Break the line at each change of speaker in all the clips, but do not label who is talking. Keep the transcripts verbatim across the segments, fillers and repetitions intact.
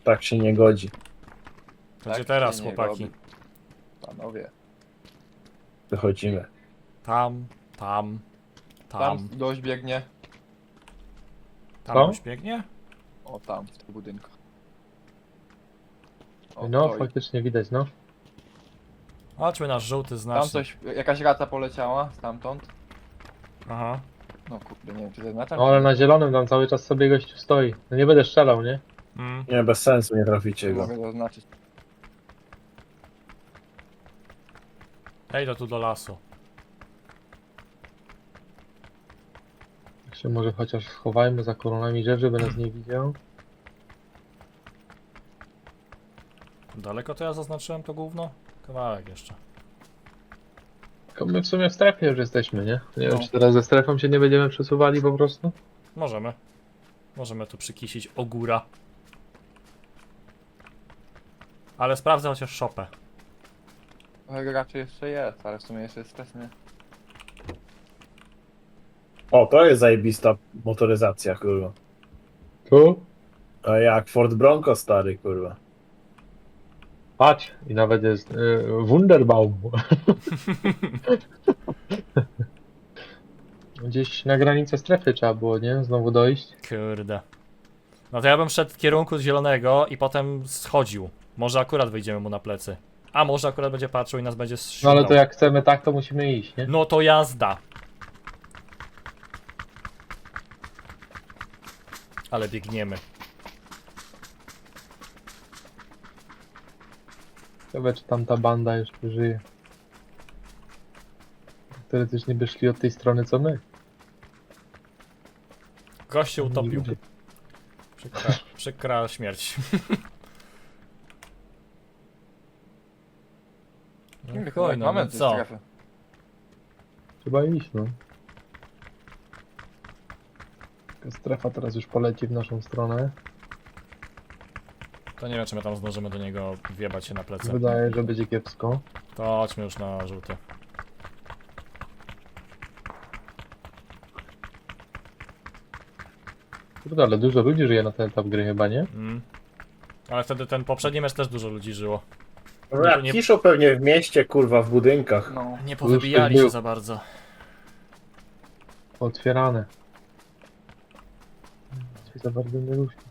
Tak się nie godzi.
To
Tak
gdzie teraz,
się nie
chłopaki?
robi. Panowie.
Wychodzimy.
Tam, tam,
Tam
tam.
gość biegnie.
Tam
Co?
już biegnie?
O, tam, w tym budynku. O,
No,
stoi.
faktycznie widać, no.
Chodźmy na żółty
Tam
znacznik.
coś, jakaś rata poleciała stamtąd.
Aha.
No kurde, nie wiem czy zaznaczam.
No, ale na zielonym tam cały czas sobie gościu stoi. No nie będę strzelał, nie?
Mm.
Nie, bez sensu, nie traficie
czy
go.
mogę zaznaczyć.
Ja idę tu do lasu.
Tak się może chociaż schowajmy za koronami drzew, żeby nas nie widział.
Daleko to ja zaznaczyłem to gówno? Kawałek jeszcze.
Tylko my w sumie w strefie już jesteśmy, nie? Nie
No.
wiem, czy teraz ze strefą się nie będziemy przesuwali po prostu?
Możemy. Możemy tu przykisić ogóra. Ale sprawdzę chociaż szopę.
Trochę raczej jeszcze jest, ale w sumie jeszcze jest wczesny.
O, to jest zajebista motoryzacja, kurwa.
Tu?
A jak Ford Bronco stary, kurwa.
Patrz, i nawet jest y, Wunderbaum. Gdzieś na granicę strefy trzeba było, nie? Znowu dojść.
Kurde. No to ja bym szedł w kierunku zielonego i potem schodził. Może akurat wyjdziemy mu na plecy. A może akurat będzie patrzył i nas będzie
No
strzelał.
ale to jak chcemy tak, to musimy iść, nie?
No to jazda. Ale biegniemy.
Ciekawe, czy tam ta banda jeszcze żyje. Teoretycznie by szli od tej strony, co my.
Gość się utopił.
Ludzie.
Przykra, przykra śmierć. No chuj, no,
Mamy
no
te
co?
strefy.
Trzeba iść, no. Taka strefa teraz już poleci w naszą stronę.
To nie wiem, czy my tam zdążymy do niego wjebać się na plecy.
Wydaje, że będzie kiepsko.
To chodźmy już na żółty.
Kurde, ale dużo ludzi żyje na ten etap gry chyba, nie?
Mm. Ale wtedy ten poprzedni mecz też dużo ludzi żyło.
No jak
nie-
kiszą pewnie w mieście, kurwa, w budynkach.
No.
Nie powybijali
był.
się za bardzo.
Otwierane. Coś za bardzo nie ruszy.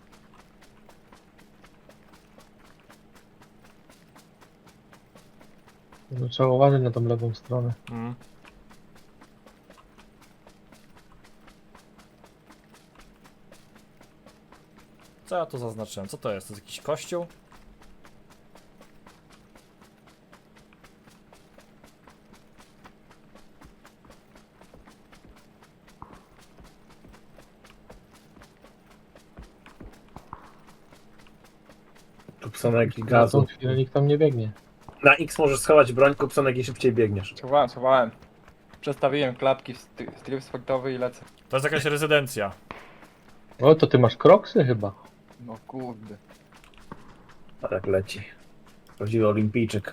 No, trzeba uważać na tą lewą stronę.
Mm. Co ja tu zaznaczyłem? Co to jest? To jest jakiś kościół?
Tu psonek i
Na tą
gazu.
chwilę nikt tam nie biegnie.
Na X możesz schować broń, kup psonek i szybciej biegniesz.
Schowałem, schowałem. Przestawiłem klapki w stry- stryf sportowy i lecę.
To jest jakaś rezydencja.
O, to ty masz kroksy chyba.
No kurde.
A tak leci. Prawdziwy olimpijczyk.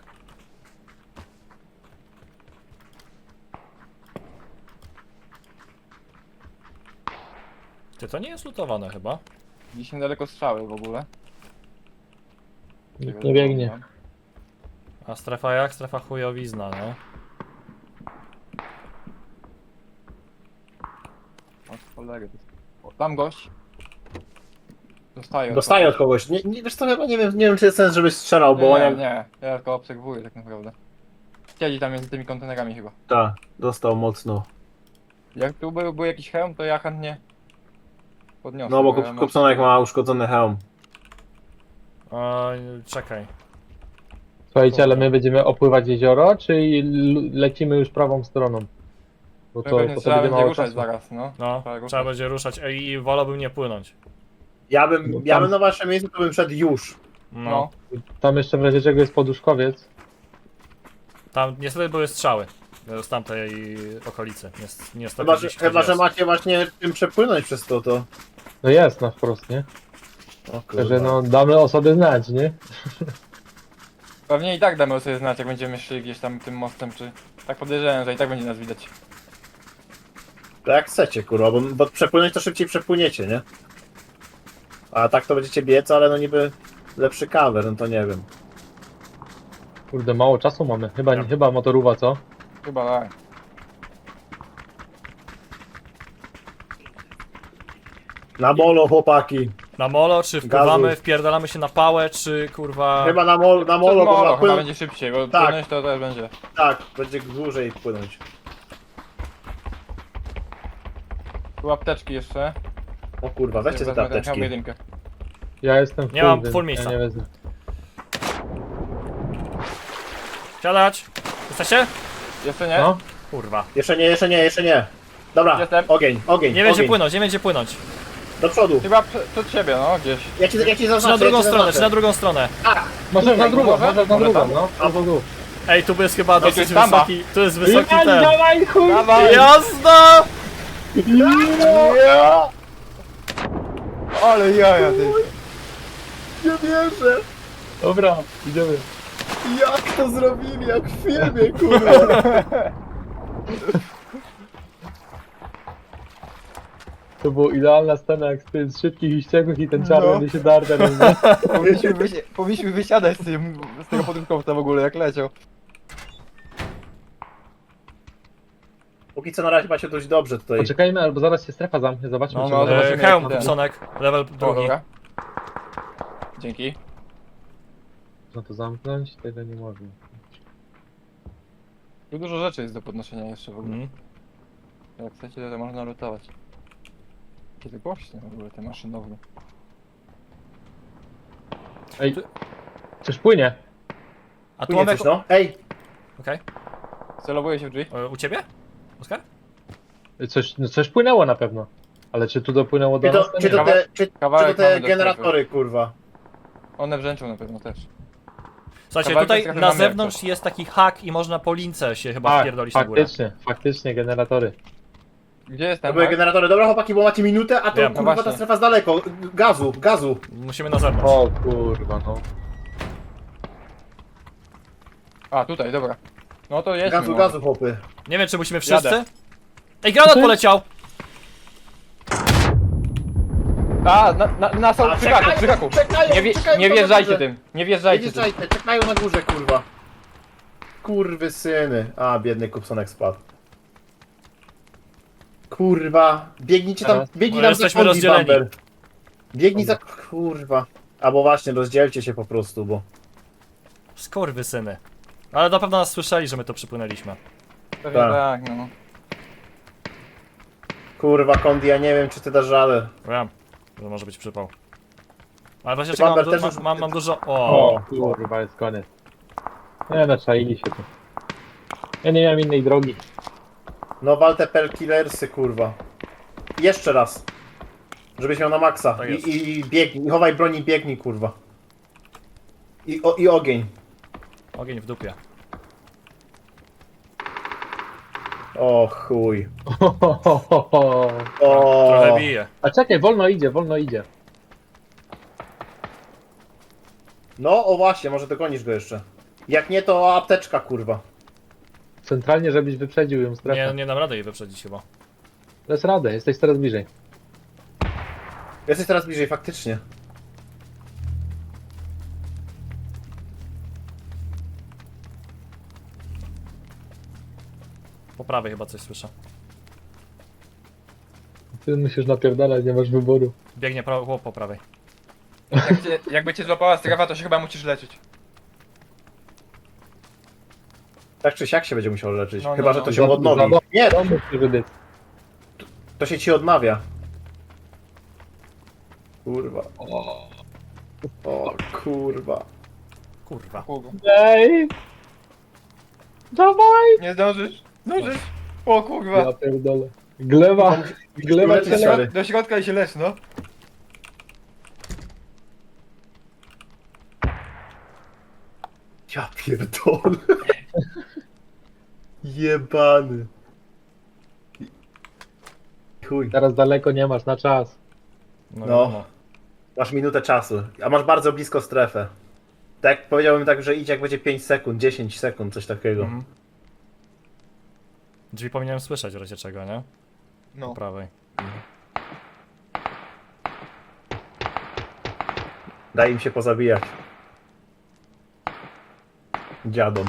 Ty, to nie jest lutowane chyba.
Gdzieś niedaleko strzały w ogóle.
Nikt nie biegnie.
A strefa jak? Strefa chujowizna, no.
O cholery. O, tam gość. Dostaję. od
Dostaję od
kogoś.
kogoś. Nie, nie, wiesz co, chyba nie wiem, nie wiem czy jest sens, żebyś strzelał, bo
Nie,
on
nie,
jak...
nie. Ja tylko obserwuję tak naprawdę. Siedzi tam między tymi kontenerami chyba.
Tak, dostał mocno.
Jak tu był, był jakiś hełm, to ja chętnie podniosę.
No bo
ja
kup,
mam-
kupsonek ma uszkodzony hełm.
Oj, czekaj.
Słuchajcie, ale my będziemy opływać jezioro, czy l- lecimy już prawą stroną? Bo to,
Pewnie
bo to
trzeba
będzie
będzie
mało
ruszać
czasu.
zaraz, no.
No,
Trzeba ruszać.
trzeba będzie ruszać Ej, i wolałbym nie płynąć.
Ja bym,
No
ja
tam-
bym na waszym miejscu to bym szedł już.
No.
No.
Tam jeszcze w razie czego jest poduszkowiec.
Tam niestety były strzały z tamtej okolicy. Niest- Niestety
Chyba, że,
gdzieś
chyba, że
jest.
macie właśnie czym przepłynąć przez to, to...
No jest na wprost, nie?
O
Także no damy o sobie znać, nie?
Pewnie i tak damy sobie znać, jak będziemy szli gdzieś tam tym mostem, czy... Tak podejrzewam, że i tak będzie nas widać.
To jak chcecie, kurwa, bo, bo przepłynąć to szybciej przepłyniecie, nie? A tak to będziecie biec, ale no niby... lepszy cover, no to nie wiem.
Kurde, mało czasu mamy. Chyba,
Ja.
chyba motorówa, co?
Chyba tak.
Na molo, chłopaki.
Na molo, czy wpływamy, wpierdalamy się na pałę, czy kurwa...
Chyba na, mol, na
Przez
molo, bo
molo
na
chyba
płyn...
będzie szybciej, bo
Tak.
płynąć to też będzie.
Tak, będzie dłużej płynąć.
Tu apteczki jeszcze.
O kurwa, weźcie te
Wezmę ten
apteczki.
hełm jedynkę.
Ja jestem
Nie mam
więc
full miejsca.
Ja nie wezmę.
Siadać! Jesteście?
Jeszcze nie?
No,
Kurwa.
Jeszcze nie, jeszcze nie, jeszcze nie. Dobra,
Jestem.
ogień, ogień,
Nie będzie
ogień.
płynąć, nie będzie płynąć.
Do przodu.
Chyba prze- przed siebie, no gdzieś.
Ja ci, ja ci
Czy
zaznaczę,
na drugą
ja ci
stronę, czy na
zaznaczę.
drugą stronę.
możesz na drugą,
może?
możesz na
Może
drugą,
tam?
no.
A,
Tu, tu.
Ej, tu jest chyba
tu
dosyć
jest tamba.
wysoki, tu jest wysoki
Dawaj,
ten.
dawaj, chuj!
Dawaj!
Jazda!
Ja! Ale jaja ty.
Nie wierzę.
Dobra, idziemy.
Jak to zrobili, jak w filmie, kurwa.
To była idealna scena jak z tym z szybkich i ściekłych i ten czarny
No.
by się darda.
Powinniśmy, wysi- powinniśmy wysiadać z, tym, z tego podróżkowca w ogóle, jak leciał.
Póki co na razie macie dość dobrze tutaj.
Poczekajmy, albo zaraz się strefa zamknie, zobaczmy
No,
czy
no,
może-
E,
zobaczymy,
hełm,
jaki ten.
Kupsonek, level
O,
drugi.
dobra. Dzięki.
Można to zamknąć? Tego nie można.
Tu dużo rzeczy jest do podnoszenia jeszcze w ogóle.
Mhm.
Jak chcecie, to można lutować. Kiedy głośne w ogóle te maszynowne.
Ej, coś płynie.
A tu
Płynie
mamy...
coś, no. Ej,
Okej.
Celowuje się w drzwi.
E, U ciebie? Oskar?
Coś, no coś płynęło na pewno. Ale czy tu dopłynęło do
czy
nas?
to,
to
czy
nie
to
wiem.
te, czy, czy to
Kawałek
te
mamy do
generatory, kurwa.
One brzęczą na pewno też.
Słuchajcie,
Kawałek
tutaj
trochę
na
mamy jak
zewnątrz jest taki hak i można po lince się chyba
Tak,
wpierdolić na górę.
faktycznie, faktycznie generatory.
Gdzie jest
To
ten
były
hak?
generatory. Dobra chłopaki, bo macie minutę, a to
Wiem, no
kurwa ta
właśnie.
strefa z daleko. Gazu, gazu.
Musimy na zewnątrz.
O kurwa, no.
A, tutaj, dobra. No to jest.
Gazu, gazu, chłopy.
Nie wiem, czy musimy wszyscy?
Jadę.
Ej, granat poleciał!
A, na, na, na są,
A,
przy haku,
czekają,
przy haku.
czekają,
Nie, wie,
czekają
nie
na
wjeżdżajcie
górze.
tym, nie
Nie
wjeżdżajcie tym.
wjeżdżajcie, czekają na górze, kurwa. Kurwy syny. A, biedny Kupsonek spadł. Kurwa. Biegnijcie tam,
Teraz?
biegnij
No,
tam
jesteśmy
za Kondi,
rozdzieleni.
Bamber. Biegnij za... Kurwa. Albo właśnie, rozdzielcie się po prostu, bo...
Skurwysyny. Ale na pewno nas słyszeli, że my to przypłynęliśmy.
Pewnie
Tak.
tak, no.
Kurwa, Kondi, ja nie wiem, czy ty dasz radę.
Wiem, że może być przypał. Ale właśnie
Ty,
czekam, mam,
Bamber,
du
też
mam,
już-
mam, mam dużo... O,
O kurwa, jest koniec. Nie no, czaili się tu. Ja nie miałem innej drogi.
No, wal te pelkillersy, kurwa. Jeszcze raz. Żebyś miał na maksa.
Tak
I,
jest.
i, I biegnij, chowaj broni, biegnij, kurwa. I, o, I ogień.
ogień w dupie.
O chuj.
Trochę
O.
bije.
A czekaj, wolno idzie, wolno idzie.
No, o właśnie, może dogonisz go jeszcze. Jak nie, to apteczka, kurwa.
Centralnie, żebyś wyprzedził ją strefę.
Nie, nie dam rady jej wyprzedzić chyba.
Dasz radę, jesteś coraz bliżej.
Jesteś teraz bliżej, faktycznie.
Po prawej chyba coś słyszę.
Ty musisz napierdalać, nie masz wyboru.
Biegnie prawo, chłop po prawej.
Jak cię, jakby cię złapała strefa, to się chyba musisz leczyć.
Tak czy siak się będzie musiał leczyć.
No, no,
Chyba, że
no.
to
Za-
się odnowi.
za-
Nie,
To musisz wydyć.
to się ci odnawia. Kurwa. O kurwa.
Kurwa.
Kurwa.
Ej! Dawaj!
Nie zdążysz? Zdążysz? O kurwa.
Ja pierdolę. Glewa, glewa
Leczyć
cię
się,
le...
ale-
Do środka i się lecz, no.
Ja pierdolę. Jebany. Chuj.
Teraz daleko nie masz, na czas.
No,
No.
no.
Masz minutę czasu, a masz bardzo blisko strefę. Tak, powiedziałbym tak, że idź jak będzie pięć sekund, dziesięć sekund, coś takiego.
Mhm. Drzwi powinienem słyszeć w razie czego, nie? Po
No.
prawej.
Daj im się pozabijać. Dziadom.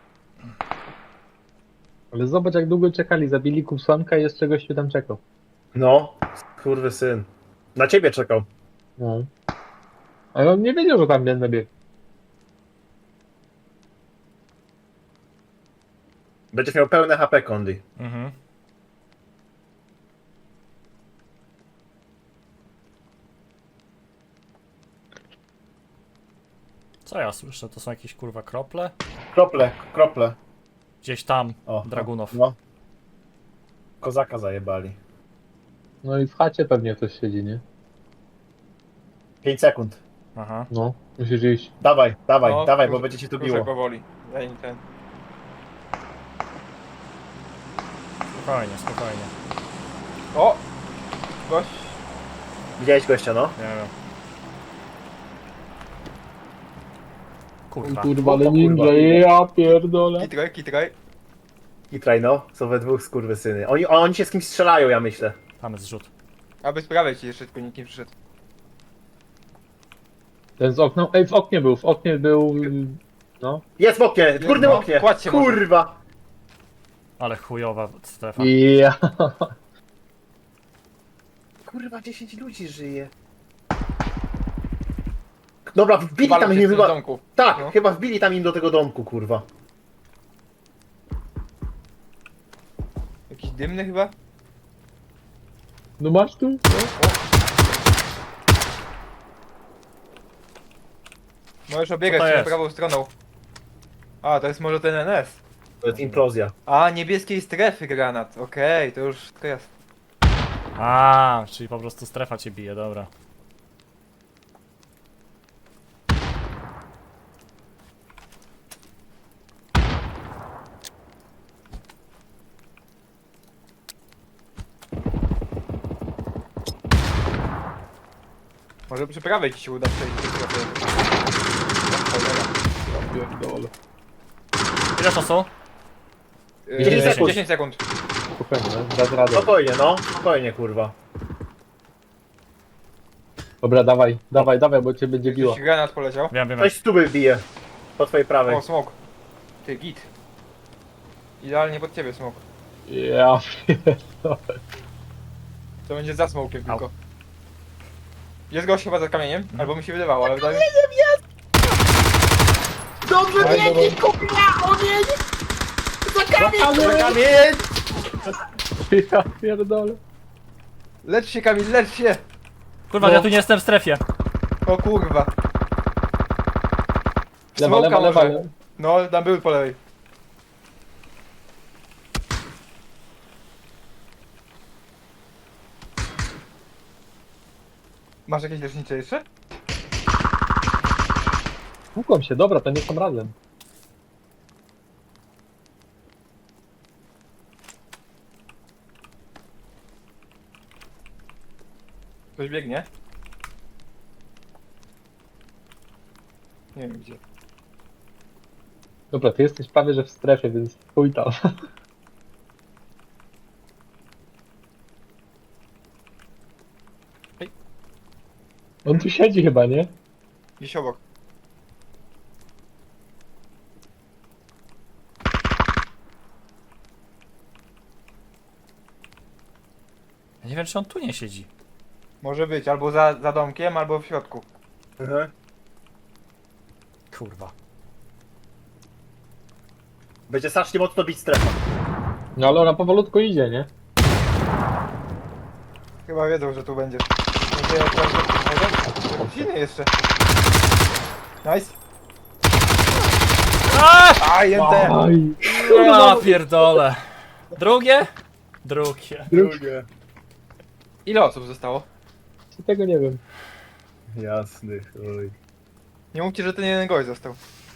Ale zobacz jak długo czekali, zabili Kupsonka i jeszcze gościu tam czekał.
No, kurwy syn. Na ciebie czekał.
No. Ale on nie wiedział, że tam będę biegł.
Będziesz miał pełne H P, Kondi.
Mhm. Co ja słyszę? To są jakieś kurwa krople?
Krople, krople.
Gdzieś tam,
O,
dragunów.
No. Kozaka zajebali.
No i w chacie pewnie ktoś siedzi, nie?
pięć sekund.
Aha.
No, musisz iść.
Dawaj, dawaj,
No,
dawaj, bo
kruszek-
będzie ci tu
kruszek
biło.
powoli. Daj im ten.
Spokojnie, spokojnie.
O! Gość.
Widziałeś gościa, no?
Nie wiem. Kurwa.
Kurwa, ale
O,
ninja,
kurwa.
ja pierdolę.
Kitraj, kitraj.
I traj, no. Są we dwóch skurwysyny. Oni, oni się z kimś strzelają, ja myślę.
Mamy zrzut.
Aby sprawiać ci jeszcze tylko nikt nie przyszedł.
Ten z okna, ej w oknie był, w oknie był, no.
Jest w oknie, w górnym
no,
oknie.
kładź się może.
Kurwa.
Ale chujowa strefa.
Ja.
Kurwa, dziesięć ludzi żyje. Dobra, wbili
Walą
tam
się
im
w tym
chyba...
domku.
Tak,
No.
chyba wbili tam im do tego domku, kurwa.
Jakiś dymny chyba?
No masz tu?
Możesz obiegać
Co to
się na
jest?
prawą stroną. A, to jest może ten N S.
To jest implozja.
A, niebieskiej strefy granat. Okej, to już to jest.
A, czyli po prostu strefa cię bije, dobra.
Może przy prawej ci się uda przejść do strefy. O, cholera.
Pierdolę.
Ile czasu?
Yy,
dziesięć sekund.
dziesięć sekund.
Spokojnie, no, dasz radę.
Spokojnie, no. Spokojnie, kurwa.
Dobra, dawaj, dawaj, dawaj, bo cię będzie biło.
Jakiś granat poleciał.
Wiem, wiem.
Ktoś z tuby bije. Po twojej prawej.
O, smok. Ty, git. Idealnie pod ciebie smok.
Ja pierdolę.
To będzie za smokiem
Au.
tylko. Jest gość chyba za kamieniem, albo mi się wydawało, ale wydaje mi się...
Dobrze,
Dawaj, dawaj.
kurwa, ogień! Za kamień!
Za kamień!
Ja pierdolę.
Lecz się Kamil, lecz się!
Kurwa,
No.
ja tu nie jestem w strefie.
O kurwa.
Lewa,
Smoka
lewa, lewa,
może.
lewa.
No, tam był po lewej. Masz jakieś lecznicze jeszcze?
Tłukłem się, dobra, to nie są razem.
Ktoś biegnie? Nie wiem gdzie.
Dobra, ty jesteś prawie, że w strefie, więc chuj tam.
Ej.
On tu siedzi chyba, nie?
Gdzieś obok.
Ja nie wiem, czy on tu nie siedzi.
Może być, albo za, za domkiem, albo w środku.
Mhm.
Kurwa.
Będzie strasznie mocno bić strefa.
No ale ona powolutku idzie, nie?
Chyba wiedzą, że tu będziesz. Będzie jak może? Silny jeszcze. Nice.
Aaaa!
A, jęte!
Aj,
Ja pierdolę. Drugie? Drugie.
Drugie.
Ile osób zostało?
tego nie wiem.
Jasny, chuj.
Nie mówcie, że ten jeden gość został.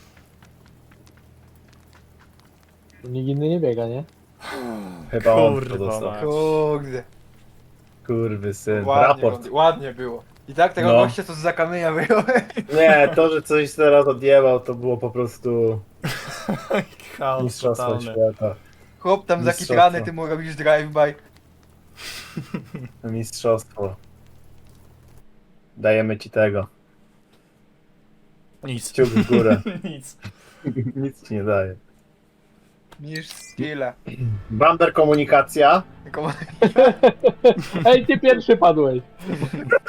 Nikt inny nie biega, nie?
Chyba on to
Kurwa
dostał.
mać.
Kurde.
Kurwy syn.
Ładnie,
Raport.
ładnie było. I tak tego
No.
gościa co z kamienia wyjął.
Nie, to, że coś teraz odjebał, to było po prostu
Chaos
mistrzostwo
totalny.
świata.
Chłop tam
Mistrzostwo.
zakitrany, ty mu robisz drive-by.
Mistrzostwo. Dajemy ci tego.
Nic.
Kciuk w górę.
Nic.
Nic ci nie daje.
Niż skille.
Bamber komunikacja.
Tylko
Ej, ty pierwszy padłeś.